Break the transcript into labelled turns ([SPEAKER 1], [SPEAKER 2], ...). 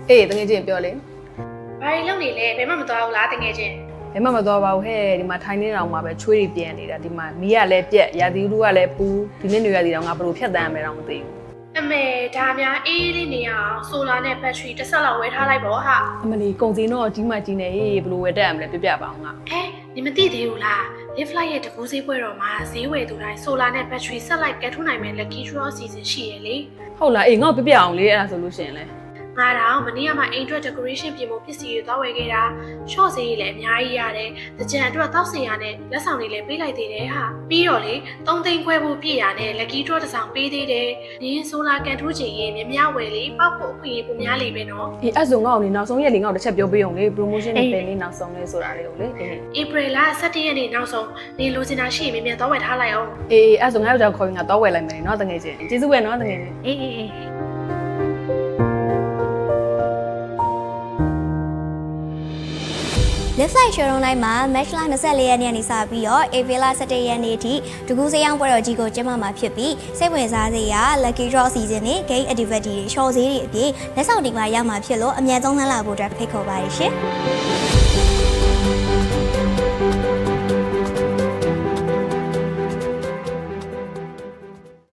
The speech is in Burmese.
[SPEAKER 1] အေးတကယ်ချင်းပြောလေ
[SPEAKER 2] ဘာတွေလုပ်နေလဲဘယ်မှမသွားဘူးလားတကယ်ချင်း
[SPEAKER 1] ဘယ်မှမသွားပါဘူးဟဲ့ဒီမှာထိုင်းနေတောင်မှာပဲချွေးတွေပြန်နေတာဒီမှာမီးကလည်းပြက်ရာသီဥတုကလည်းပူဒီနေ့နေရာဒီတော့ငါဘယ်လိုဖြတ်တန်းရမယ်တော့မသိဘူး
[SPEAKER 2] အမေဒါများအေးလေးနေရအောင်ဆိုလာနဲ့ဘက်ထရီတစ်ဆက်လောက်ဝယ်ထားလိုက်ပေါ့ဟာ
[SPEAKER 1] အမလီကုန်စည်တော့ကြီးမှကြီးနေဟေးဘယ်လိုဝယ်တက်ရမလဲပြပြပါအောင်ငါ
[SPEAKER 2] ဟဲနေမသိသေးဘူးလား Live Flight ရဲ့တကူးဈေးပွဲတော်မှာဈေးဝယ်သူတိုင်းဆိုလာနဲ့ဘက်ထရီဆက်လိုက်ကဲထုတ်နိုင်မဲ့ Lucky Draw Season ရှိရလေ
[SPEAKER 1] ဟုတ်လားအေးငါ့ကိုပြပြအောင်လေအဲ့ဒါဆိုလို့ရှိရင်လေ
[SPEAKER 2] ငါတော့မနေ့ကမှအိမ်အတွက် decoration ပြင်ဖို့ပစ္စည်းတွေသွားဝယ်ခဲ့တာ short ဈေးကြီးလည်းအများကြီးရတယ်တကြံအတွက်တောက်စင်ရနဲ့လက်ဆောင်တွေလည်းပေးလိုက်သေးတယ်ဟာပြီးတော့လေ3သိန်းခွဲဖို့ပြည့်ရနဲ့ Lucky Draw တစ်ဆောင်ပေးသေးတယ်နင်းဆိုလာကန်ထိုးချင်ရင်မြဝယ်လေပောက်ဖို့အခွင့်အရေးပုံများလေပဲနော်
[SPEAKER 1] အေးအဲ့ဆိုငါ့ကိုလေနောက်ဆုံးရက်လေငါ့ကိုတစ်ချက်ပြောပေးအောင်လေ promotion တွေတင်လေးနောက်ဆုံးလေးဆိုတာလေးကိုလေအေး
[SPEAKER 2] April လ17ရက်နေ့နောက်ဆုံးနေလိုချင်တာရှိရင်မြန်သွားဝယ်ထားလိုက်အောင်
[SPEAKER 1] အေးအဲ့ဆိုငါ့ယောက်ျားခေါ်ရင်ငါတော့ဝယ်လိုက်မယ်နော်တကယ်ချင်းကျေးဇူးပဲနော်တကယ်ချင်း
[SPEAKER 2] အေး
[SPEAKER 3] Live Flight Showroom တိုင်းမှာ Match လ24ရက်နေ့ကနေစပြီးတော့ April 17ရက်နေ့ထိတကူးစရောင်းပွဲတော်ကြီးကိုကျင်းပမှာဖြစ်ပြီးစိတ်ဝင်စားစရာ Lucky Draw Season နဲ့ Game Activity တွေ Show ဈေးတွေအပြင်လက်ဆောင်တွေပါရမှာဖြစ်လို့အမြန်ဆုံးလှမ်းလာဖို့အတွက်ဖိတ်ခေါ်ပါတယ်ရှင်။